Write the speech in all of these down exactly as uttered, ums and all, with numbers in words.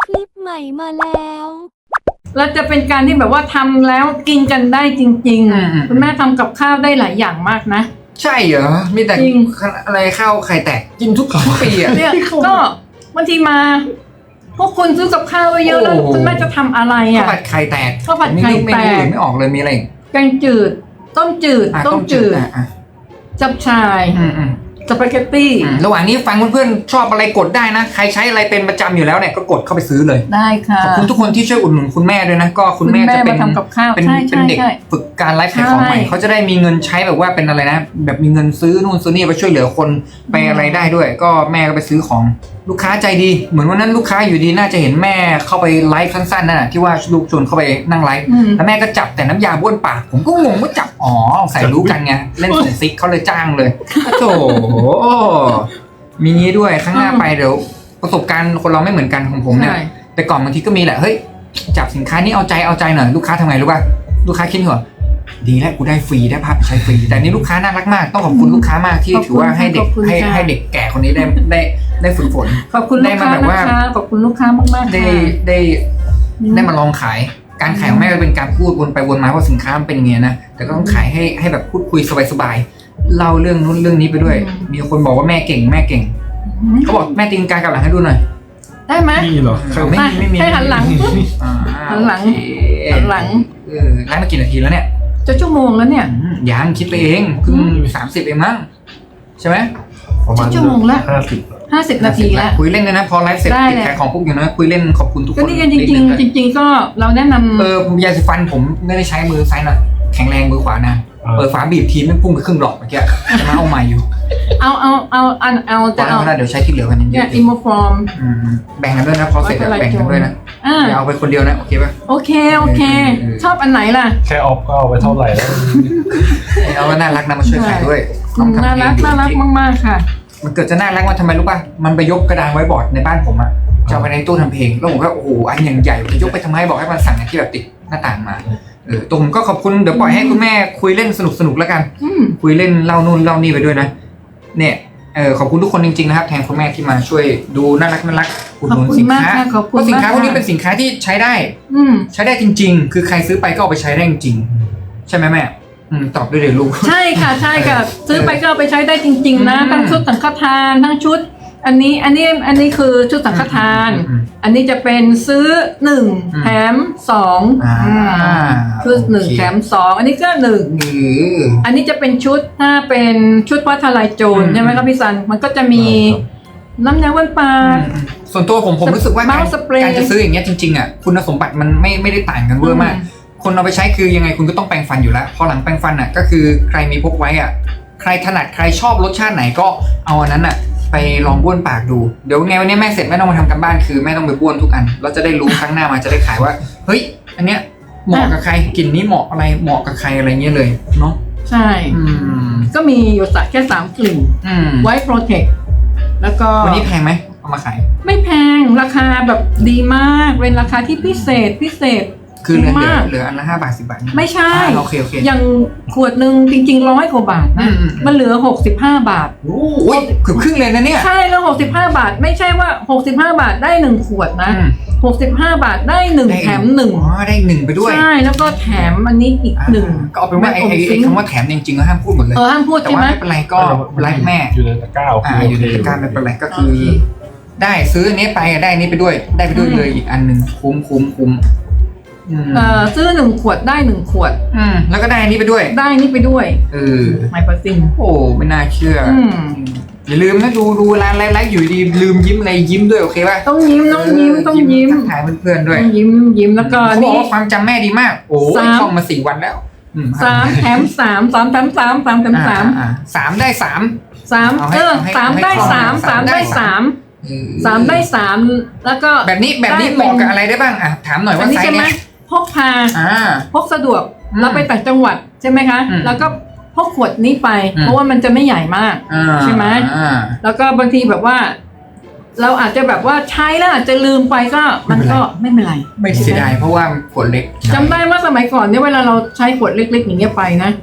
คลิปใหม่มาแล้วแล้วจะเป็นการที่แบบว่าทำแล้วกินกันได้จริงอืมๆคุณแม่ทำกับข้าวได้หลายอย่างมากนะใช่เหรอมีแต่จริงอะไรข้าวไข่แตกกินทุกทุกปีอ่ะเนี่ยก็บางทีมา พวกคุณซื้อกับข้าวไว้เยอะแล้วโอ้โหคุณแม่จะทำอะไรข้าวอ่ะผัดไข่แตกข้าวผัดไข่ผมนี่แตกเมนูอื่นไม่ออกเลยมีอะไรอีกแกงจืด ต้มจืดอ่ะต้มจืดอ่ะอ่ะจับชายอืมอืมสปาเกตตี้อืมระหว่างนี้ฟังเพื่อนๆชอบอะไรกดได้นะใครใช้อะไรเป็นประจำอยู่แล้วเนี่ยก็กดเข้าไปซื้อเลยได้ค่ะขอบคุณทุกคนที่ช่วยอุดหนุนคุณแม่ด้วยนะก็คุณแม่จะเป็นคุณแม่มาทำกับข้าวเป็นใช่ใช่เป็นเด็กใช่ฝึกการไลฟ์ขายของใหม่ใช่เขาจะได้มีเงินใช้แบบว่าเป็นอะไรนะ แบบมีเงินซื้อนู่นซื้อนี่ไปช่วยเหลือคนไปอะไรได้ด้วย ก็แม่ก็ไปซื้อของลูกค้าใจดี เหมือนวันนั้นลูกค้าอยู่ดีน่าจะเห็นแม่เข้าไปไลฟ์สั้นๆนั่นแหะที่ว่าลูกชวนเข้าไปนั่งไลฟ์อืมแล้วแม่ก็จับแต่น้ำยาบ้วนปากผมก็งงว่าจับอ๋อใส่รู้กันไงเล่นส่งซิกเขาเลยจ้างเลยโถมีงี้ด้วยครั้งหน้าไปเดี๋ยวประสบการณ์คนเราไม่เหมือนกันของผมเนี่ยใช่แต่ก่อนบางทีก็มีแหละเฮ้ยจับสินค้านี้เอาใจเอาใจหน่อยลูกค้าทำไงรู้ป่ะลูกค้าคิดเหรอดีแล้วกูได้ฟรีได้ภาพใช้ฟรีแต่นี่ลูกค้าน่ารักมากต้องขอบคุณลูกค้ามากที่ขอบคุณถือว่าให้เด็กขอบคุณให้ค่ะให้เด็กแก่คนนี้ได้ได้ได้ฝึกฝนขอบคุณได้ลูกมาค้าแบบนะว่าคะขอบคุณลูกค้ามากๆได้ค่ะได้ได้มาลองขายการขายของแม่ก็เป็นการพูดวนไปวนมาว่าสินค้ามันเป็นยังไงนะแต่ก็ต้องขายให้ให้แบบพูดคุยสบายๆเล่าเรื่องนู้นเรื่องนี้ไปด้วย มีคนบอกว่าแม่เก่งแม่เก่งเขาบอกแม่ตีนกากลับหลังให้ดูหน่อยได้ไหมนี่เหรอไม่ไปไม่มีให้หันหลังอ่าหันหลังโอเคหันหลังเออไลฟ์มากี่นาทีแล้วเนี่ยจะชั่วโมงแล้วเนี่ยอืมยังคิดไปเองเพิ่งสามสิบเองมั้งใช่ไหมประมาณชั่วโมงละห้าสิบห้าสิบนาทีแล้วคุยเล่นเลยนะพอไลฟ์เสร็จได้ติดเลยขายของปุ๊บอยู่นะคุยเล่นขอบคุณทุกคนก็นี่กันจริงนิดนึๆ จริง ๆ ก็เราแนะนำเออยาสีฟันผมไม่ได้ใช้มือซ้ายนะแข็งแรงมือขวานะเปิดฝาบีบทีไม่พุ่งไปครึ่งหลอดเมื่อกี้จะมาเอาใหม่อยู่เอาเอาเอาเอาเอาพอจะแล้วเอาพอแล้วเดี๋ยวใช้ที่เหลือกันเยเนี่ยอะอิมโมฟอร์มๆอืมแบ่งกันด้วยนะพอเสร็จแล้วแบ่งกันด้วยนะอ่าอย่าเอาไปคนเดียวนะโอเคป่ะโอเคโอเคเออชอบอันไหนล่ะแค่ออฟก็เอาไปเท่าไหร่แล้วเอาแล้วน่ารักนะมาช่วยขายด้วยน้องทำน่าเองรักอยู่น่ารักจริงมากๆค่ะมันเกิดจะน่ารักว่าทำไมรู้ป่ะ มันไปยกกระดานไว้บอร์ดในบ้านผมอะจะเอาไปในตู้ทำเพลง แล้วผมก็โอ้โห อันอย่างใหญ่จะยกไปทำไมบอกให้มันสั่งอันที่แบบติดหน้าต่างมา เออตรงก็ขอบคุณ เดี๋ยวปล่อยให้คุณแม่คุยเล่นสนุกสนุกๆแล้วกันอืมคุยเล่นเล่านู่นเล่านี่ไปด้วยนะ เนี่ย เออขอบคุณทุกคนจริงๆนะครับ แทนคุณแม่ที่มาช่วยดูน่ารักน่ารักอุดหนุนสินค้าขอบคุณมากค่ะขอบเพคุณราะสินค้าพวกนี้มากค่ะเป็นสินค้าที่ใช้ได้อืมใช้ได้จริง ๆ คือใครซื้อไปก็เอาไปใช้ได้จริงๆใช่ไหมแม่ อืมตอบด้วยเดี๋ยวลูกใช่ค่ะใช่ค่ะ ซื้อไปก็เอาไปใช้ได้จริง ๆ นะอืมทั้งชุดสังฆทานทั้งชุด อันนี้อันนี้อันนี้คือชุดสังฆทานอืมอืมอันนี้จะเป็นซื้อหนึ่งอืมแถมสองอ่าอืมคือหนึ่งโอเคแถมสองอันนี้ก็หนึ่งหรืออันนี้จะเป็นชุดถ้าเป็นชุดผ้าทลายโจรอืมใช่ไหมครับพี่ซันมันก็จะมีน้ำยาวันปลาส่วนตัวผมผมรู้สึกว่าการเมาส์สเปรย์การจะซื้ออย่างเงี้ยจริงๆอ่ะคุณสมบัติมันไม่ไม่ได้ต่างกันเวอร์มากอืมคนเอาไปใช้คือยังไงคุณก็ต้องแปรงฟันอยู่แล้ว พอหลังแปรงฟันอ่ะก็คือใครมีพกไว้อ่ะใครถนัดใครชอบรสชาติไหนก็เอาอันนั้นอ่ะไปลองบ้วนปากดูเดี๋ยวไงวันนี้แม่เสร็จแม่ต้องมาทำกันบ้านคือแม่ต้องไปบ้วนทุกอันเราจะได้รู้ครั้งหน้ามาจะได้ขายว่าเฮ้ยอันเนี้ยเหมาะกับใครกลิ่นนี้เหมาะอะไรเหมาะกับใครอะไรเงี้ยเลยเนาะใช่อืมก็มีอยู่สักแค่สามกลิ่นอืมไว้โปรเทคแล้วก็วันนี้แพงไหมเอามาขายไม่แพงราคาแบบดีมากเป็นราคาที่พิเศษพิเศษคือเหลือเหลืมาอก เหลืออันละห้าบาทสิบบาทไม่ใช่อ่าโอเคโอเคอย่างขวดหนึ่งจริงๆร้อยกว่าบาทนะอืมอืมมันเหลือหกสิบห้าบาทโอ้ยเกือบครึ่งเลยนะเนี่ยใช่แล้วหกสิบห้าบาท ไม่ใช่ว่าหกสิบห้าบาทได้หนึ่งขวดนะอืมหกสิบห้าบาทได้หนึ่งได้แถมหนึ่งอ๋อได้หนึ่งไปด้วยใช่แล้วก็แถมอันนี้อีกอ่าหนึ่งก็เอาเป็นว่าไอ้ไอ้แม่ไอ้อมสิงคำว่าแถมจริงๆก็ห้ามพูดหมดเลยเออห้ามพูดแต่ใช่ว่าไหมไม่เป็นไรก็ไลฟ์แม่อยู่ในตะกร้าโอเคอ่าอยู่ในตะกร้าไม่เป็นไรก็คือโอเคได้ซื้ออันนี้ไปได้อันนี้ไปด้วย ได้ไปด้วยเลยอีกอันหนึ่งคุ้มคุ้มคุ้มอืมเอ่อซื้อหนึ่งขวดได้หนึ่งขวดอืมแล้วก็ได้อันนี้ไปด้วยได้นี่ไปด้วยเออไมเปอร์ซิงโอ้ไม่น่าเชื่อออืมอย่าลืมนะดูดูร้านไลฟ์อยู่ดีลืมยิ้มอะไรยิ้มด้วยโอเคป่ะต้องยิ้มต้องยิ้มต้องยิ้มทักทายเพื่อนๆด้วยต้องยิ้มยิ้มแล้วก็เขาบอกนี่ว่าความจำแม่ดีมาก โอ้ยสามท่องมาสี่วันแล้วอืสามแถมสามสามแถมสามสามแถมสามอ่อ่อ่สามได้สามสามเอาให้เออเอาให้สามเอาให้ได้คล่องสามสาสาม มได้ได้สาสาม มเออสามได้สามแล้วก็แบบนี้แบบนี้ได้เหมาะเป็นกับอะไรได้บ้างอ่ะถามหน่อยอัว่านนี้ไซใช่ส์ไหมเนี้ยพกพาอ่าพกสะดวกอืมเราไปต่างจังหวัดใช่ไหมคะอืมแล้วก็พกขวดนี้ไปอืมเพราะว่ามันจะไม่ใหญ่มากอ่าใช่ไหมอ่าแล้วก็บางทีแบบว่า เราอาจจะแบบว่าใช้แล้วอาจจะลืมไปก็มันก็ไม่เป็นไรไม่เสียดายเพราะว่าขวดเล็กจำได้ว่าสมัยก่อนเนี่ยเวลาเราใช้ขวดเล็กๆอย่างเงี้ยไปนะ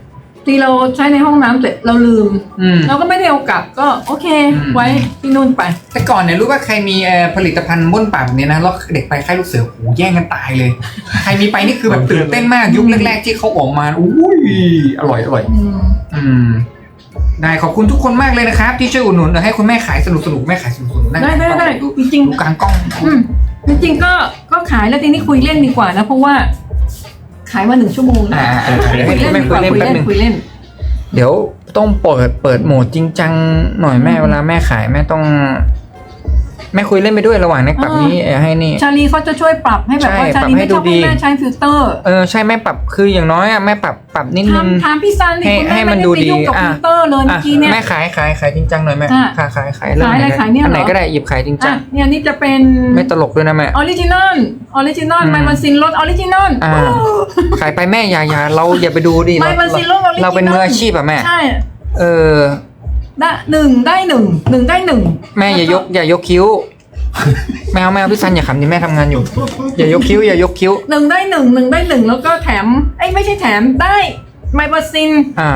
ที่เราใช้ในห้องน้ำเสร็จเราลืมอืมเราก็ไม่ได้เอากลับก็โอเคอืมไว้ที่นู่นไปแต่ก่อนเนี่ยรู้ว่าใครมีเอ่อผลิตภัณฑ์บ้วนปากแบบนี้นะแล้วเด็กไปค่ายลูกเสือโอ้โหแย่งกันตายเลย ใครมีไปนี่คือแบบตื่นเต้นมากยุคแรกๆที่เขาออกมาอุ้ยอร่อยอร่อยอืมอืมได้ขอบคุณทุกคนมากเลยนะครับ ที่ช่วยอุดหนุนเดี๋ยวให้คุณแม่ขายสนุกสนุกๆแม่ขายสนุกสนุกๆนั่งได้ได้ได้ดูจริงดูกลางกล้องๆอืมจริงๆก็ก็ขายแล้วทีนี้คุยเล่นดีกว่านะเพราะว่า ขายมาหนึ่งชั่วโมงอ่าแล้วเดี๋ยวให้คุยเล่นแม่ดีกคุยว่าเล่นคุยแป๊บนึงเล่นคุยเล่นเดี๋ยวต้องเปิดเปิดโหมดจริงจังหน่อยแม่เวลาแม่ขายแม่ต้อง แม่คุยเล่นไปด้วยระหว่างในปรับนี้เอ่อให้นี่ชาลีเขาจะช่วยปรับให้แบบว่าใช่ชาลีปรับให้ไม่ชอบดูดีให้แม่ใช้ฟิลเตอร์เออใช่แม่ปรับคืออย่างน้อยอ่ะแม่ปรับปรับนิดนึงถามถามพี่ซันดิให้คุณให้แม่มันไม่ดูได้ไปดียุ่งกับอ่ะฟิลเตอร์เลยเมื่อกี้เนี่ยแม่ขายขายขายจริงจังหน่อยแม่อ่ะขายขายขายเรื่องขายอะไรหนขายเนี่ยอันไหนเหรอก็ได้หยิบขายจริงจัอ่ะงเนี่ยนี่จะเป็นไม่ตลกด้วยนะแม่ออริจินอลออริจินอลอืมไมมันซินรสออริจินอลอ่า ขายไปแม่อย่าอย่าเราอย่าไปดูดิไมเรามันซินรสออริจินอลเราเป็นมืออาชีพอะแม่ใช่เออได้หนึ่งได้หนึ่งหนึ่งได้หนึ่งแม่อย่ายกอย่ายกคิ้วแมวแมวพี่ซันอย่าขำดิแม่ทำงานอยู่ อย่ายกคิ้วอย่ายกคิ้วหนึ่งได้หนึ่งหนึ่งได้หนึ่งแล้วก็แถมไอ้ยไม่ใช่แถมได้ไมมันซินอ่าร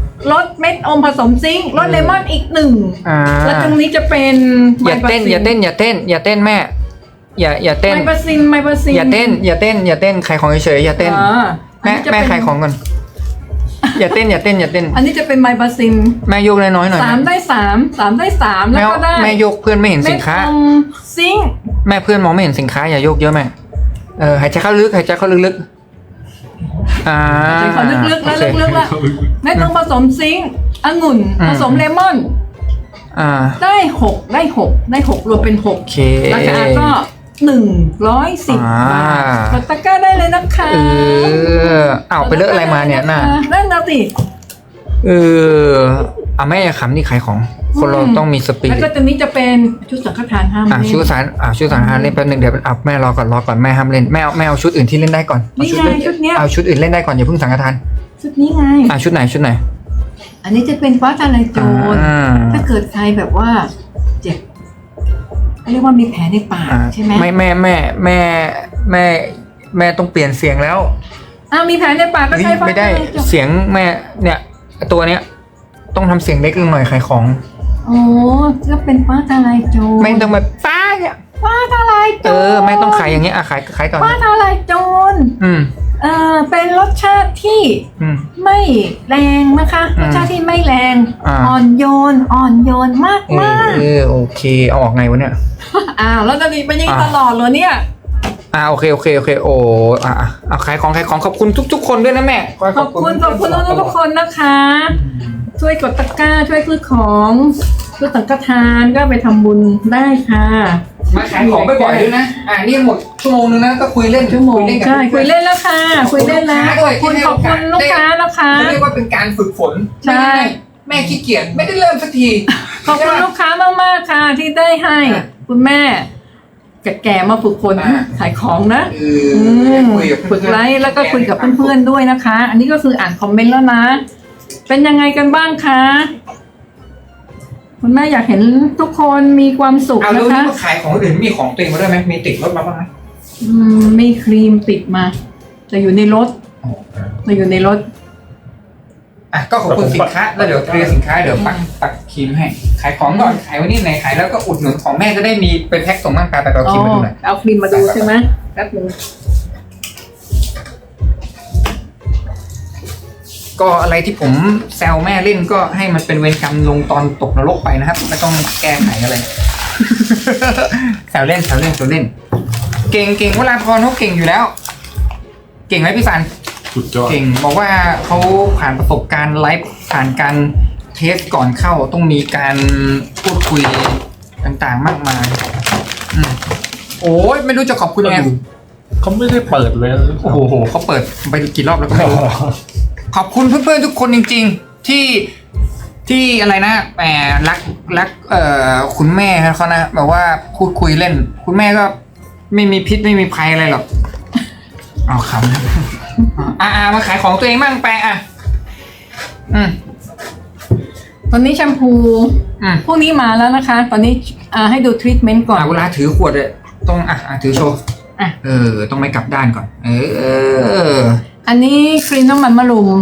สเม็ดอมผสมซิงค์รสเลมอนอีกหนึ่งอ่าแล้วตรงนี้จะเป็นอย่าเต้นอย่าเต้นอย่าเต้นอย่าเต้นแม่ อย่าอย่าเต้นไมมันซินไมมันซินอย่าเต้น อย่าเต้น อย่าเต้นขายของเฉยๆอย่าเต้นอ่าอันแม่นี้จะแม่เป็นขายของก่อนอย่าเต้นอย่าเต้นอย่าเต้นอันนี้จะเป็นไมมันซินแม่ยกน้อยๆหน่อยสามนะได้สามสามได้สามแม่แล้วก็ได้แม่ยกเพื่อนไม่เห็นสินค้าเม็ดอมซิงค์แม่เพื่อนมองไม่เห็นสินค้าอย่ายกเยอะแม่เออหายใจเข้าลึกหายใจเข้าลึกๆอ่าใจเขาลึกๆแล้วโอเคลึกๆแล้วเม็ดอมผสมซิงค์องุ่นอืมผสมเลมอนอ่าได้หกได้หกได้หกรวมเป็นหกโอเคราคาก็หนึ่งร้อยสิบอ่าบาทกดตะกร้าได้เลยนะคะเออเอาไปเลอะอะไรมาเนี่ยน่ะนั่นนะสิเอออ่ะแม่อย่าขำนี่ขายของ คนเราอืมต้องมีสปิแล้วริก็ตตัวนี้จะเป็นชุดสังฆทานห้ามอ่ะเล่นชุดสารอ่ะชุดสารหาเล่นแป๊บนึงเดี๋ยวอ่ะแม่รอก่อนรอก่อนแม่ห้ามเล่นแม่เอาแม่เอาชุดอื่นที่เล่นได้ก่อนเอานี่ชุดไงอื่นชุดเนี้ยเอาชุดอื่นเล่นได้ก่อนอย่าเพิ่งสังฆทานชุดนี้ไงอ่ะชุดไหนชุดไหนอันนี้จะเป็นฟ้าทลายโจรอ่าถ้าเกิดใครแบบว่าเจ็บเขาเรียกว่ามีแผลในปากอ่าใช่ไหมไม่แม่แม่แม่แม่แม่ต้องเปลี่ยนเสียงแล้วอ่ามีแผลในปากก็เฮ้ยใช้ฟ้าไม่ได้ทลายโจรเสียงแม่เนี่ยตัวเนี้ยต้องทำเสียงเล็กลงหน่อยขายของโอ้ก็เป็นฟ้าทลายโจรไม่ต้องแบบป้าเนี่ยฟ้าทลายโจรเออแม่ต้องขายอย่างเงี้ยอ่ะขายขายก่อนฟ้าทลายโจรอืมเออเป็นรสชาติที่อืมไม่แรงนะคะอืรมสชาติที่ไม่แรงอ่าอ่อนโยนอ่อนโยนมากเอมาอก เออโอเคเอาออกไงวะเนี่ยอ้าวแล้วจะมีเป็นอยังไงอ่าตลอดเลยเนี่ยอ่าโอเคโอเคโอเคโอ้อ่ะอ่ะเอาขายของขายของขอบคุณทุก ๆ คนด้วยนะแม่ขอบคุณขอบคุณทุกๆคนนะคะ ช่วยกดตะกร้าช่วยซื้อของซื้อสังฆทานก็ไปทำบุญได้ค่ะมาขายของบ่อยๆด้วยนะอ่านี่หมดชั่วโมงนึงนะก็คุยเล่นชั่วโมงคุยเล่นกับใช่คุยพื่อนเล่นแล้วค่ะ คุยเล่นแล้วขอบคุณขอบคุณลูกค้านะคะเรียกว่าเป็นการฝึกฝนใช่แม่ขี้เกียจไม่ได้เริ่มสักทีขอบคุณลูกค้ามากๆค่ะ ที่ได้ให้อ่ะคุณแม่แก่ๆมาฝึกฝนอ่ะขายของนะเอออืมคุยกับฝึกไลฟ์แล้วก็คุยกับเพื่อนๆด้วยนะคะ อันนี้ก็คืออ่านคอมเมนต์แล้วนะ เป็นยังไงกันบ้างคะคุณแม่อยากเห็นทุกคนมีความสุขเอานะดูนี่คะมาขายของอื่นมีของตัวเองมาด้วยไหมมีติดรถมาบ้างไหมอืมมีครีมติดมา แต่อยู่ในรถแต่อยู่ในรถอ่ะก็ขอบคุณสินค้าแล้วเดี๋ยวเคลียร์สินค้าเดี๋ยวปักปักครีมให้ขายของก่อนขายวันนี้ไหนขายแล้วก็อุดหนุนของแม่จะได้มีเป็นแพ็คส่งร่างกายไปเอาครีมมาดูหน่อยเอาครีมมาดูใช่ไหมแป๊บนึงก็อะไรที่ผมแซวแม่เล่นก็ให้มันเป็นเวรกรรมลงตอนตกนรกไปนะครับไม่ต้องแก้ไขอะไร แซวเล่นแซวเล่นแซวเล่น เก่งเก่งเวลาพรเขาเก่งอยู่แล้ว เก่งไหมพี่สันสุดยอดเก่งบอกว่าเขาผ่านประสบการณ์ไลฟ์ผ่านการเทสก่อนเข้าต้องมีการพูดคุยต่างๆมากมายอืมโอ้ยไม่รู้จะขอบคุณยังไงเขาไม่ได้เปิดเลยโอ้โหเขาเปิดไปกี่รอบแล้วก็ไม่รู้ ขอบคุณเพื่อนๆทุกคนจริงๆ ที่ที่อะไรนะแหมรักรักเอ่อคุณแม่เขานะแบบว่าพูดคุยเล่น คุณแม่ก็ไม่มีพิษไม่มีภัยอะไรหรอกเอาคำอ่ามาขายของตัวเองบ้างแปลอ่ะอืมตอนนี้แชมพูอืมพวกนี้มาแล้วนะคะ ตอนนี้อ่าให้ดูทรีทเมนต์ก่อนอ่ะเวลาถือขวดเลยต้องอ่ะอ่ะถือโชว์อ่ะเออ ต้องไม่กลับด้านก่อน เอออันนี้ครีมน้ำมันมะรุม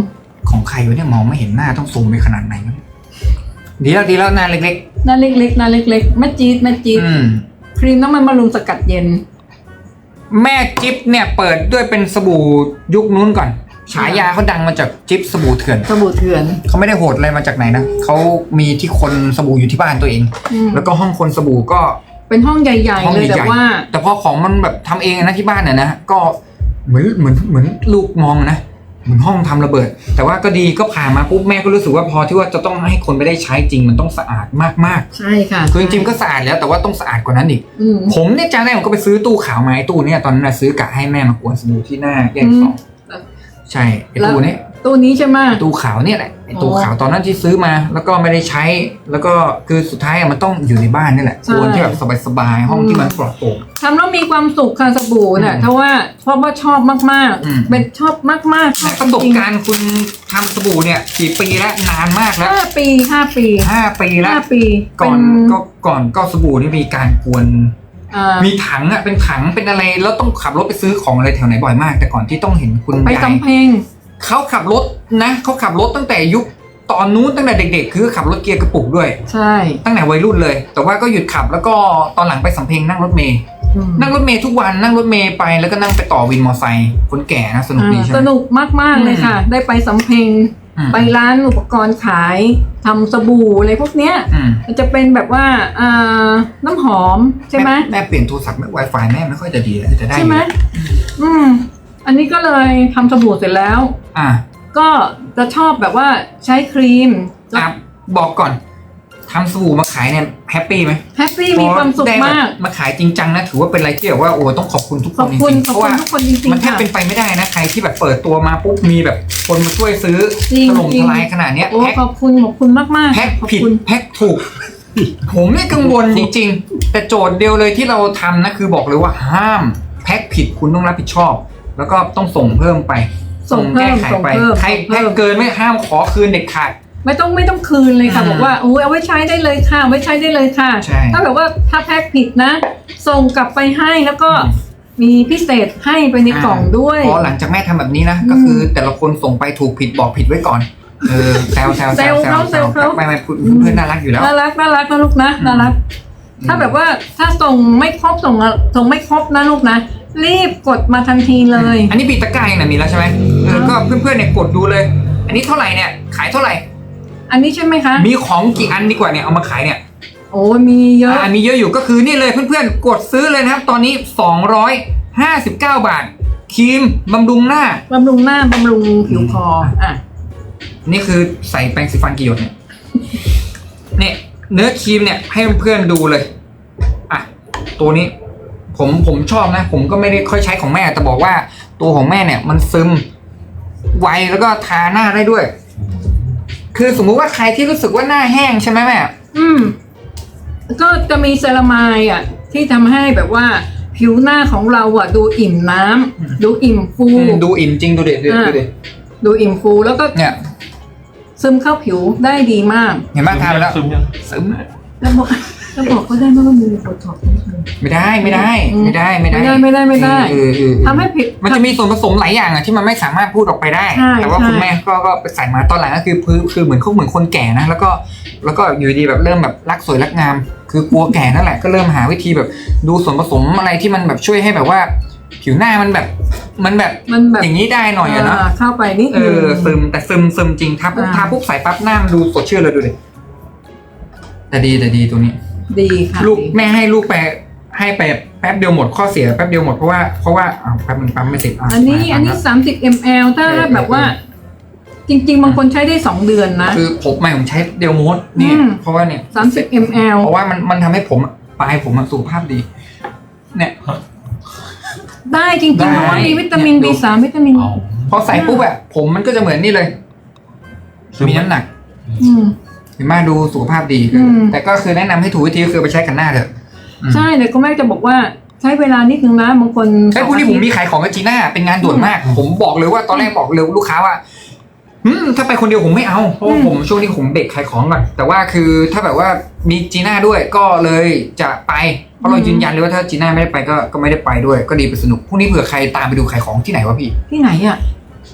ของใครวะเนี่ยมองไม่เห็นหน้าต้องซูมไปขนาดไหนวะเนี่ยดีแล้วดีแล้วหน้าเล็กหน้าเล็กๆหน้าเล็กๆแม่จี๊ดแม่จี๊ๆดอืมครีมน้ำมันบำรุงสกัดเย็นแม่จิ๊บเนี่ยเปิดด้วยเป็นสบู่ยุคนู้นก่อนฉายาเขาดังมาจากจิ๊บสบู่เถื่อนสบู่เถื่อนเขาไม่ได้โหดอะไรมาจากไหนนะเขามีที่คนสบู่อยู่ที่บ้านตัวเองอืมแล้วก็ห้องคนสบู่ก็เป็นห้องใหญ่ห้องๆเลยใหแต่ญ่ว่าๆแต่พอของมันแบบทำเองนะที่บ้านเนี่ยนะก็เหมือนเหมือนเหมือนลูกมองนะเหมือนห้องทำระเบิด แต่ว่าก็ดีก็ผ่านมาปุ๊บแม่ก็รู้สึกว่าพอที่ว่าจะต้องให้คนไม่ได้ใช้จริงมันต้องสะอาดมากใช่ค่ะๆคือจริงๆก็สะอาดแล้วแต่ว่าต้องสะอาดกว่านั้นอีกอืมผมเนี่ยจำได้ผมก็ไปซื้อตู้ขาวมาไอ้ตู้เนี่ยตอนนั้นนะซื้อกะให้แม่มากวนสบู่ที่หน้าแยกสองอืมใช่ไอ้ตู้เนี้ยตัวนี้ใช่ไหมตู้ขาวเนี่ยแหละไอ้ตู้อ๋อขาวตอนนั้นที่ซื้อมา แล้วก็ไม่ได้ใช้ แล้วก็คือสุดท้ายอะมันต้องอยู่ในบ้านนี่แหละใช่ควรที่แบบสบายๆห้องอืมที่มันปลอดโปร่งทำแล้วมีความสุขค่ะสบู่เนี่ยอืมเพราะว่าเพราะว่าชอบมากอืมๆ เป็นชอบมากๆชอบประสบการณ์คุณทำสบู่เนี่ยกี่ปีแล้วนานมากแล้วห้าปีห้าปีห้าปีแล้วห้าปีก่อนเป็นก็ก่อนก็สบู่นี่มีการกวนอ่ามีถังอ่ะเป็นถังเป็นอะไรแล้วต้องขับรถไปซื้อของอะไรแถวไหนบ่อยมาก แต่ก่อนที่ต้องเห็นคุณไปยายสำเพ็งเขาขับรถนะเขาขับรถตั้งแต่ยุคตอนนู้นตั้งแต่เด็กๆ คือขับรถเกียร์กระปุกด้วยใช่ตั้งแต่วัยรุ่นเลย แต่ว่าก็หยุดขับแล้วก็ตอนหลังไปสำเพ็งนั่งรถเมย์อืมนั่งรถเมย์ทุกวันนั่งรถเมย์ไปแล้วก็นั่งไปต่อวินมอไซค์คนแก่นะสนุกดีใช่ไหสมนุกมาก ๆ เลยค่ะ ได้ไปสำเพ็งอืมไปร้านอุปกรณ์ขายทำสบู่อะไรพวกเนี้ยอืมมันจะเป็นแบบว่าอ่าน้ำหอมใช่ไหมแม่เปลี่ยนโทรศัพท์แม่ Wi-Fi แม่ไม่ค่อยจะดีเลยจะได้ใช่ไหมอยู่อืม อันนี้ก็เลยทำสบู่เสร็จแล้วอ่ะก็จะชอบแบบว่าใช้ครีมอ่ะบอกก่อนทำสบู่มาขายเนี่ยแฮปปี้ไหมแฮปปี้มีความสุขได้แบบมากมาขายจริงจังนะถือว่าเป็นอะไรที่แบบว่าโอ้ต้องขอบคุณทุกคขอน บจคุณริงๆขอบเพราะคุณว่าทุกคนจริงมันแทบๆค่ะเป็นไปไม่ได้นะใครที่แบบเปิดตัวมาปุ๊บมีแบบคนมาช่วยซื้อจริงถล่มจริงทลายขนาดเนี้ยโอ้แพ็คขอบคุณขอบคุณมากมากๆแพ็คขอบผิดคุณแพ็คถูก ผมเนี่ยกังวลจริง ๆ แต่โจทย์เดียวเลยที่เราทำนะคือบอกเลยว่าห้ามแพ็คผิดคุณต้องรับผิดชอบ แล้วก็ต้องส่งเพิ่มไปส่งเพิ่มแก้ไขส่งไปเพิ่มใครส่งเพิ่แพ็คมเกินไม่ห้ามขอคืนเด็ดขาดไม่ต้องไม่ต้องคืนเลยค่ะอืมบอกว่าโอ้ยเอาไว้ใช้ได้เลยค่ะเอาไว้ใช้ได้เลยค่ะใช่ถ้าแบบว่าถ้าแพ็คผิดนะ ส่งกลับไปให้แล้วก็มีพิเศษให้ไปในกล่องด้วยพอหลังจากแม่ทำแบบนี้นะอืมก็คือแต่ละคนส่งไปถูกผิดบอกผิดไว้ก่อนเออแซวแซวแซวเขาแซวเขาไม่ไม่พูดเพื่อนน่ารักอยู่แล้วน่ารักน่ารักนะลูกนะน่ารัก ถ้าแบบว่าถ้าส่งไม่ครบส่งอะส่งไม่ครบนะลูกนะ รีบกดมาทันทีเลยอันนี้ปีตะกร้ายังนะมีแล้วใช่ไหมเออก็เพื่อนๆเนี่ยกดดูเลย อันนี้เท่าไหร่เนี่ยขายเท่าไหร่อันนี้ใช่ไหมคะมีของกี่อันดีกว่าเนี่ยเอามาขายเนี่ยโอ้ยมีเยอะอ่ามีเยอะอยู่ก็คือนี่เลยเพื่อนๆกดซื้อเลยนะครับ ตอนนี้สองร้อยห้าสิบเก้าบาทครีมบำรุงหน้าบำรุงหน้าบำรุงผิวคออ่ะนี่คือใส่แปรงสีฟันกี่หยดเนี่ยเนี่ยเนื้อครีมเนี่ยให้เพื่อนๆดูเลยอ่ะตัวนี้ ผมผมชอบนะ ผมก็ไม่ได้ค่อยใช้ของแม่แต่บอกว่าตัวของแม่เนี่ย มันซึมไวแล้วก็ทาหน้าได้ด้วย คือสมมุติว่าใครที่รู้สึกว่าหน้าแห้งใช่ไหมแม่อืมก็จะมีเซรามายอ่ะ ที่ทำให้แบบว่าผิวหน้าของเราอ่ะ ดูอิ่มน้ำดูอิ่มฟูอืมดูอิ่มจริงดูเด็ดดูเด็ดดูเด็ดดูอิ่มฟูแล้วก็เนี่ยซึมเข้าผิวได้ดีมากเห็นไหมทาไปแล้วซึมยังซึมแล้วบอกแล้วบอกเขาได้ไหมว่ามีโบท็อกซ์นิดนึงไม่ได้ไม่ได้อืมไม่ได้ไม่ได้ไม่ได้ไม่ได้ไม่ได้เออเออเออทำให้ผิวมันจะมีส่วนผสมหลายอย่างอะที่มันไม่สามารถพูดออกไปได้ใช่แต่ว่าใช่คุณแม่ก็ก็ไปใส่มาตอนหลังก็คือพื้นคือเหมือนเขาเหมือนคนแก่นะแล้วก็แล้วก็อยู่ดีแบบเริ่มแบบรักสวยรักงาม คือกลัวแก่นั่นแหละก็เริ่มหาวิธีแบบดูส่วนผสมอะไรที่มันแบบช่วยให้แบบว่า ผิวหน้ามันแบบมันแบบมันแบบอย่างนี้ได้หน่อยอะเนาะาเข้าไปนิดเอนึงอซึมแต่ซึมซึมจริงทาปุ๊บอ่าทาปุ๊บใส่ปั๊บหน้ามันดูสดชื่นเลยดูดิแต่ดีแต่ดีตัวนี้ดีค่ะลูกดีแม่ให้ลูกไปให้ไปแป๊บเดียวหมดข้อเสียแป๊บเดียวหมดเพราะว่าเพราะว่าอ้าวแป๊บนึงปั๊มไม่ติดะอันนี้มาอันนี้ปั๊มสามสิบมลถ้าเออแบบว่าเออจริง ๆ บางคนใช้ได้สองเดือนนะคือผมไม่ผมใช้เดลโมดนี่อืมเพราะว่าเนี่ยสามสิบมลเพราะว่ามันมันทำให้ผมปลายผมอะสุขภาพดี เนี่ยได้จริงได้ๆเพราะว่ามีวิตามินดูบี สาม วิตามินเอาพอใส่ปุ๊บอะผมมันก็จะเหมือนนี่เลยซึมมีน้ำหนักอืมเห็นไหมดูสุขภาพดีอืมแต่ก็คือแนะนำให้ถูกวิธีก็คือไปใช้กันหน้าเถอะอืมใช่แต่ก็แม่จะบอกว่าใช้เวลานิดนึงนะบางคนไอ้พวกนี้ผมมีขายของกับจีน่าเป็นงานด่วนมาก ผมบอกเลยว่าตอนแรกบอกเลยลูกค้าว่าอืมถ้าไปคนเดียวผมไม่เอาเพราะว่าผมช่วงนี้ผมเด็กขายของก่อนแต่ว่าคือถ้าแบบว่ามีจีน่าด้วยก็เลยจะไปเพราะเรายืนยันเลยว่าถ้าจีน่าไม่ได้ไปก็ก็ไม่ได้ไปด้วย ก็ดีไปสนุกพรุ่งนี้เผื่อใครตามไปดูขายของที่ไหนวะพี่ที่ไหนอ่ะ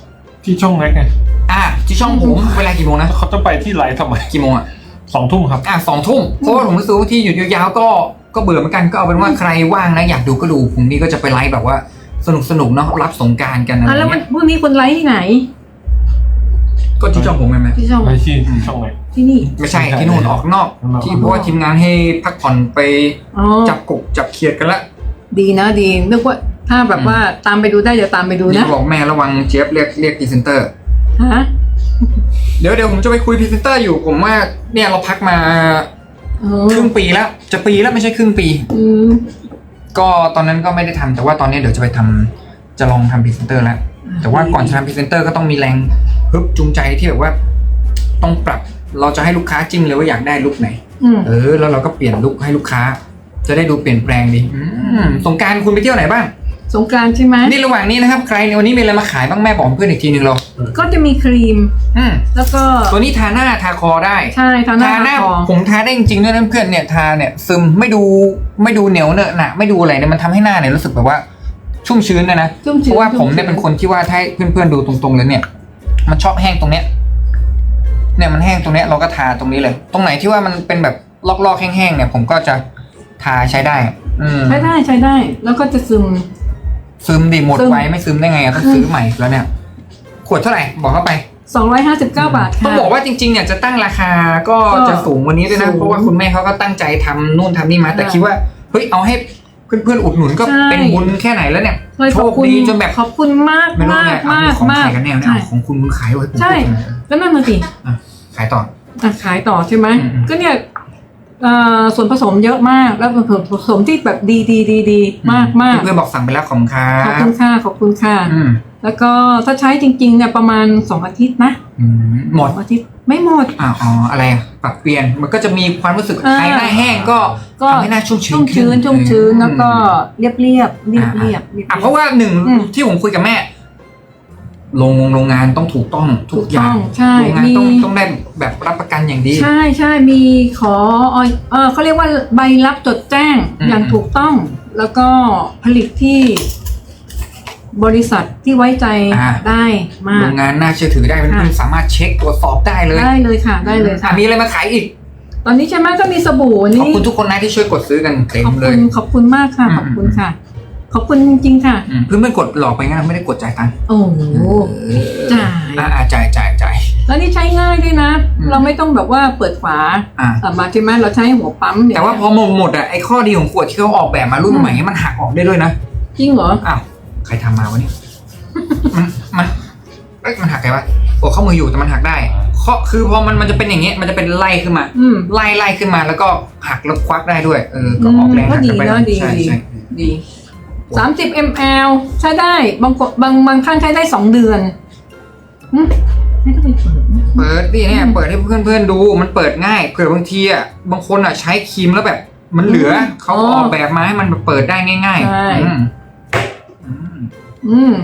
ที่ช่องแรกไงอ่ะที่ช่องผมเวลากี่โมงนะเขาจะไปที่ไลฟ์ทำไมกี่โมงอ่ะสองทุ่มครับอ่ะสองทุ่มเพราะว่าผมรู้สึกว่าที่หยุดยาวๆก็ก็เบื่อเหมือนกันก็เอาเป็นว่าใครว่างนะอยากดูก็ดูพรุ่งนี้ก็จะไปไลฟ์แบบว่าสนุกสนุกๆเนาะรับสงกรานต์กันอะไรอ่ะแล้ววันเงี้ยพรุ่งนี้คุณไลฟ์ที่ไหนก็ที่ช่องผมไงไหมที่ช่องไปที่ช่องไหนที่นี่ไม่ใช่ที่นู่นออกนอกข้างนอกที่เพราะว่าทีมงานให้พักผ่อนไปอ๋อจับกบจับเขียดกันละดีนะดีนึกว่าถ้าแบบว่าตามไปดูได้เดี๋ยวตามไปดูนี่นะบอกแม่ระวังเจฟเรียกเรียกพรีเซนเตอร์ฮะเดี๋ยวเดี๋ยวผมจะไปคุยพรีเซนเตอร์อยู่ผมว่าเนี่ยเราพักมาเออครึ่งปีแล้วจะปีแล้วไม่ใช่ครึ่งปีอืมก็ตอนนั้นก็ไม่ได้ทำแต่ว่าตอนนี้เดี๋ยวจะไปทำจะลองทำพรีเซนเตอร์แล้วแต่ว่าก่อนจะทำพรีเซนเตอร์ก็ต้องมีแรงฮึบจูงใจที่แบบว่า ต้องปรับเราจะให้ลูกค้าจิ้มเลยว่าอยากได้ลุคไหนอืมเออแล้วเราก็เปลี่ยนลุคให้ลูกค้า จะได้ดูเปลี่ยนแปลงดีอืมสงกรารคุณไปเที่ยวไหนบ้างสงกรานต์ใช่ไหมนี่ระหว่างนี้นะครับใครในวันนี้มีอะไรมาขายบ้างแม่บอกเพื่อนอีกทีหนึ่งเราก็จะมีครีมอืมแล้วก็ตัวนี้ทาหน้าทาคอได้ใช่ทาหน้าทาหน้าทาคอผมทาได้จริงๆด้วยนะเพื่อนเนี่ยทาเนี่ยซึมไม่ดูไม่ดูเหนียวเหนอะหนะไม่ดูอะไรเนี่ยมันทำให้หน้าเนี่ยรู้สึกแบบว่าชุ่มชื้นนะนะชุ่มเพชื้นราะว่าผมเนี่ยชุ่เป็นคนที่ว่าถ้าให้เพื่อนๆดูตรงๆเลยเนี่ย มันชอบแห้งตรงเนี้ยเนี่ยมันแห้งตรงเนี้ยเราก็ทาตรงนี้เลย ตรงไหนที่ว่ามันเป็นแบบลอกๆแห้งๆเนี่ย ผมก็จะทาใช้ได้ อืมใช้ได้ใช้ได้ แล้วก็จะซึมซึมดิหมดซึมไว้ไม่ซึมได้ไงอะต้องซื้อใหม่แล้วเนี่ย ขวดเท่าไหร่บอกเข้าไปสองร้อยห้าสิบเก้าบาทต้องค่ะบอกว่าจริงๆเนี่ยจะตั้งราคาก็ก็จะสูงกวันนี้ด้วยนะสูงเพราะว่าคุณแม่เขาก็ตั้งใจทำนู่นทำนี่มา แต่ใช่คิดว่าเฮ้ยเอาให้เพื่อนๆอุดหนุนก็ใช่เป็นบุญแค่ไหนแล้วเนี่ยเลยโชขอบคคุณดีจนแบบขอบคุณมากไม่รู้มากไงเอามากของมากขายกันแนวเนี่ยใช่เอาของคุณคุณขายไว้ผมใช่พูดนะแล้วนั่นน่ะสิอ่ะขายต่ออ่ะขายต่อใช่ไหมอืมอืมก็เนี่ยเอ่อส่วนผสมเยอะมากแล้วส่วนผสมที่แบบดีดีดีดีมากมากเพื่อนๆบอกสั่งไปแล้วของครัขอบบ คุณค่ะขอบคุณค่ะอืมแล้วก็ถ้าใช้จริงๆเนี่ยประมาณสองอาทิตย์นะอืมหมดสองอาทิตย์ไม่หมดอ๋ออ๋ออะไรอะปรับเปลี่ยนมันก็จะมีความรู้สึกอ่าใครหน้าแห้งก็ก็ทำให้หน้าชุ่มชื้นชุ่มชื้นขึ้ชุ่มชื้นแล้วก็อืมเรียบเรียบเรียบเรียบเรียบอ่ะเพราะว่าหนึ่งอืมที่ผมคุยกับแม่โรงโรงงานต้องถูกต้องทุถูกกอย่าต้อง งใช่โรงงานมีต้องต้องได้แบบรับประกันอย่างดีใช่ใช่มีขอออยเออเขาเรียกว่าใบรับจดแจ้งอืมอย่างถูกต้อง แล้วก็ผลิตที่บริษัทที่ไว้ใจอ่าได้มาโรกงงานน่าเชื่อถือได้เพื่อนค่ะๆสามารถเช็คตรวจสอบได้เลยได้เลยค่ะ ได้เลยค่ะอ่ะมีอะไรมาขายอีกตอนนี้ใช่ไหมก็มีสบู่ขอบนี่คุณทุกคนนะที่ช่วยกดซื้อกันเต็มขอบเลคุยณขอบคุณมากค่ะอืมขอบคุณค่ะ ขอบคุณจริงๆค่ะอืมเพื่อนๆกดหลอกไปงั้นไม่ได้กดจ่ายตังค์โอ้โหจ่ายอ่าจ่ายจ่ายจ่ายแล้วนี่ใช้ง่ายด้วยนะอืมเราไม่ต้องแบบว่าเปิดฝาอ่าเอ่อมาใช่ไหมเราใช้หัวปั๊มเนี่ยแต่ว่าพอหมดหมดอ่ะไอ้ข้อดีของขวดที่เขาออกแบบมารุ่นอืมใหม่มันหักออกได้ด้วยนะจริงเหรออ้าวใครทำมาวะเนี่ย มันมันเอ้ยมันหักไงวะโอ้ข้อมืออยู่แต่มันหักได้ข้อคือพอมันมันจะเป็นอย่างเงี้ยมันจะเป็นไล่ขึ้นมาอืมไล่ไล่ขึ้นมาแล้วก็หักแล้วควักได้ด้วย เออก็ออกแรงก็หักดีกันไปเนาะดีใช่ดีใช่ดีสามสิบมลใช้ได้บางคนบางบางท่านใช้ได้สองเดือนหึไม่ต้องไปเปิดนะเปิดดิเนี่ยเปิดให้เพื่อนเพื่อนๆดูมันเปิดง่ายเผื่อบางทีอ่ะบางคนอ่ะใช้ครีมแล้วแบบ มันเหลือเขาออกแบบมาให้มันเปิดได้ง่ายใช่ๆอืมอืมอืม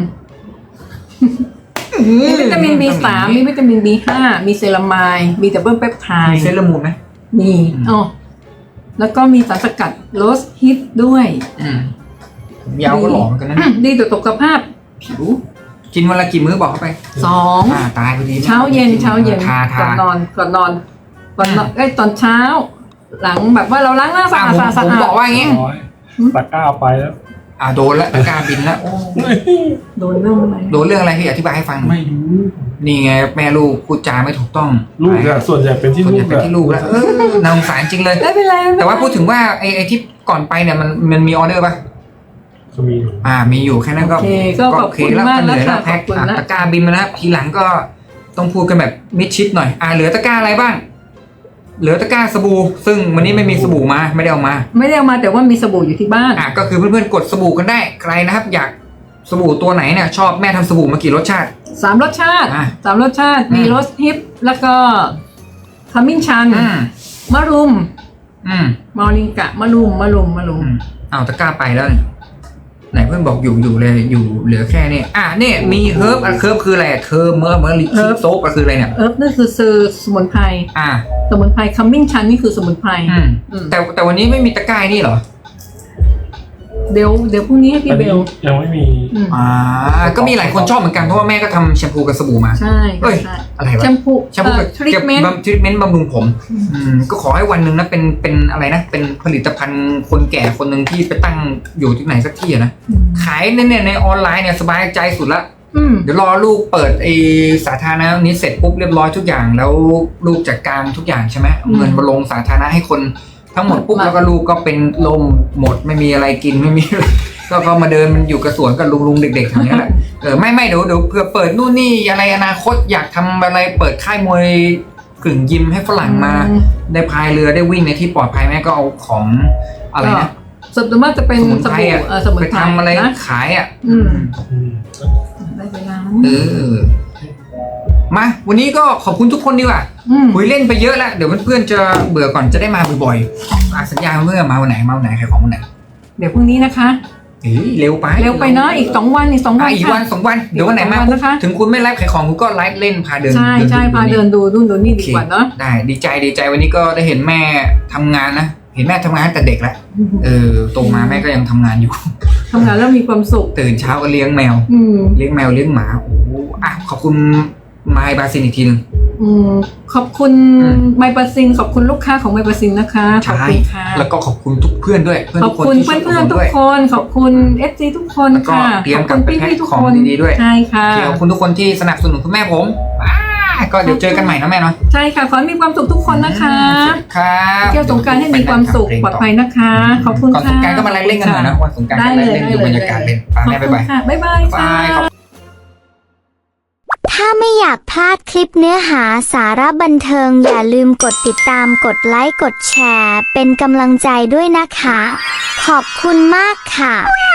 มีวิตามิน บี สาม มีวิตามิน บี ห้า มีเซรามายด์มีดับเบิลเปปไทมีด์เซรามูนไหมมีอืมอ๋อแล้วก็มีสารสกัดโรสฮิตด้วยอืมผมยาวก็หลอมกันนะดีต่อสุขภาพผิวกินวันละกี่มื้อบอกเข้าไปสองอ่าตายพอดีเช้าเย็นเช้าเย็นทาก่ทาอนนอนก่อนนอนก่อนนอนอืมเอ้ยตอนเช้า หลังแบบว่าเราล้างหน้าสะอ่าอาดผมสะอาดผมบอกว่าอย่างงี้ร้อยตะกร้าไปแล้วอ่าโดนแล้วตะกร้าบินแล้วโอ้โดนเรื่องอะไรโดนเรื่องอะไรพี่อธิบายให้ฟังหน่อยไม่รู้นี่ไงแม่ลูกพูดจาไม่ถูกต้องลูกอะส่วนใหญ่เป็นที่ส่วนลูใหญ่กเป็นอะที่ลูกแล้วเออน่าสงสารจริงเลยไม่เป็นไรไม่เป็นไรแต่ว่าพูดถึงว่าไอ้ไอ้ที่ก่อนไปเนี่ยมันมันมีออเดอร์ป่ะก็มีอยู่อ่ามีอยู่แค่นั้นก็โอเคก็ขอบโอเคคุณแล้วมากเหนะนื่อยแล้คะวแพ็คขอบคุณอ่ะนะตะกร้าบินมาแล้วทีหลังก็ต้องพูดกันแบบมิดชิดหน่อยอ่าเหลือตะกร้าอะไรบ้าง เหลือตะกร้าสบู่ซึ่งวันนี้ไม่มีสบู่มาไม่ได้เอามาไม่ได้เอามาแต่ว่ามีสบู่อยู่ที่บ้านอ่ะก็คือเพื่อนๆกดสบู่กันได้ใครนะครับ อยากสบู่ตัวไหนเนี่ยชอบแม่ทำสบู่มากี่รสชาติสามรสชาติอ่ะสามรสชาติอืมมีรสฮิปแล้วก็ขมิ้นชันอืมมะรุมอืมมอริงกะมะรุมมะรุมมะรุอืมมเอาตะกร้าไปแล้วเนี่ยไหนเพื่อนบอกอยู่อยู่เลยอยู่เหลือแค่นี้อ่ะเนี่ยมีเฮิร์บอ่ะเฮิร์บคืออะไรเฮิร์บเมื่อเมื่อลิคิโซปอ่ะคืออะไรเนี่ยเอิร์ฟนั่นคือซื้อสมุนไพรอ่ะสมุนไพรขมิ้นชันนี่คือสมุนไพรอืมอืมแต่แต่วันนี้ไม่มีตะกร้านี่เหรอเดี๋ยวเดี๋ยวพรุ่งนี้ให้พี่อันเบนี้ลยังไม่มีอืมอ่าก็มีหลายคนชอบเหมือนกันเพราะว่าแม่ก็ทำแชมพูกับสบู่มาใช่เอ้ยใช่อะไรวะแชมพูแชมพูกับทรีทเมนต์ทรีทเมนต์บำรุงผมอืมก็ขอให้วันหนึ่งนะเป็นเป็นอะไรนะ เป็นผลิตภัณฑ์คนแก่คนหนึ่งที่ไปตั้งอยู่ที่ไหนสักที่อะนะขายในเนี่ยในออนไลน์เนี่ยสบายใจสุดละอืมเดี๋ยวรอลูกเปิดไอสาธารณะนี้เสร็จปุ๊บเรียบร้อยทุกอย่างแล้วลูกจัดการทุกอย่างใช่ไหมเอาเงินมาลงสาธารณะให้คนทั้งหมดปุ๊บแล้วก็ลูกก็เป็นลมหมดไม่มีอะไรกินไม่มี ก็ก็มาเดินมันอยู่กระสวนกับลุงลุงๆเด็กๆอย่างนี้ยแหละเออไม่ไม่เดี๋ยวเดี๋ยวเผื่อเปิดนู่นนี่อะไรอนาคตอยากทำอะไรเปิดค่ายมวยกึ่งยิมให้ฝรั่งมาอืมได้พายเรือได้วิ่งในที่ปลอดภัยแม่ก็เอาของอะไรนะส่วนมากจะเป็นสมุนสไพรบู่อ่ะเออสมุนไปไพรทำอะไรนะขายอ่ะอืมอืมได้เวลาเออมาวันนี้ก็ขอบคุณทุกคนดีกว่าอืมคุยเล่นไปเยอะแล้วเดี๋ยวเพื่อนๆจะเบื่อก่อนจะได้มาบ่อยๆอ่ะสัญญาเพื่อนมาวันไหนมาวันไหนใครของวันไหนเดี๋ยวพรุ่งนี้นะคะเฮ้ยเร็วไปเร็วไปเนาะอีกสองวันอีกสองวัอ่ะนอีกค่ะวันสองวันเดี๋ยววันไหนมาอีกสองวันนะคะถึงคุณไม่ไลฟ์ขายของคุณก็ไลฟ์เล่นพาเดินใช่ใช่พาเดินดูนู่นดูนี่ดีกว่าเนาะได้ดีใจดีใจวันนี้ก็ได้เห็นแม่ทำงานนะเห็นแม่ทำงานตั้งแต่เด็กแล้วเออโตมาแม่ก็ยังทำงานอยู่ทำงานแล้วมีความสุขตื่นเช้าก็เลี้ยงแมวอืมเลี้ยงแมวเลี้ยงหมาโอ้โหอ่ะขอบคุณไมค์บาซินอีกทีหนึงอืมขอบคุณอืมไมปาซินขอบคุณลูกค้าของไมปาซินนะคะขอบใช่คุณค่ะแล้วก็ขอบคุณทุกเพื่อนด้วยเพื่อนขอทุบกคนคุณที่เพื่อนช่วยเพื่อนผมทุด้กวยคนขอบคุณเอฟซีทุกคนแล้วก็ค่ะเตรียขมอบกลัคุบณไปพี่แพ็คพี่ๆทุกของคนดีๆด้วยใช่ค่ะขอบคุณทุกคนที่สนับสนุนคุณแม่ผมอ่าก็เดี๋ยวเจอกันใหม่นะแม่เนาะใช่ค่ะขอให้มีความสุขทุกคนนะคะสวัสดีครับเที่ยวสงกรารให้มีความสุขปลอดภัยนะคะ ขอบคุณก่อนค่ะสงกรารก็มาไล่เล่นกันหน่อยนะวันสงกรารได้ก็เลไล่ยเล่นได้ดูเลยบรรยากาศเล่นไปขอบแม่คุบ๊ายณบายค่ะบ๊ายบายบาค่ะยขอบถ้าไม่อยากพลาดคลิปเนื้อหาสาระบันเทิงอย่าลืมกดติดตามกดไลค์กดแชร์เป็นกำลังใจด้วยนะคะ ขอบคุณมากค่ะ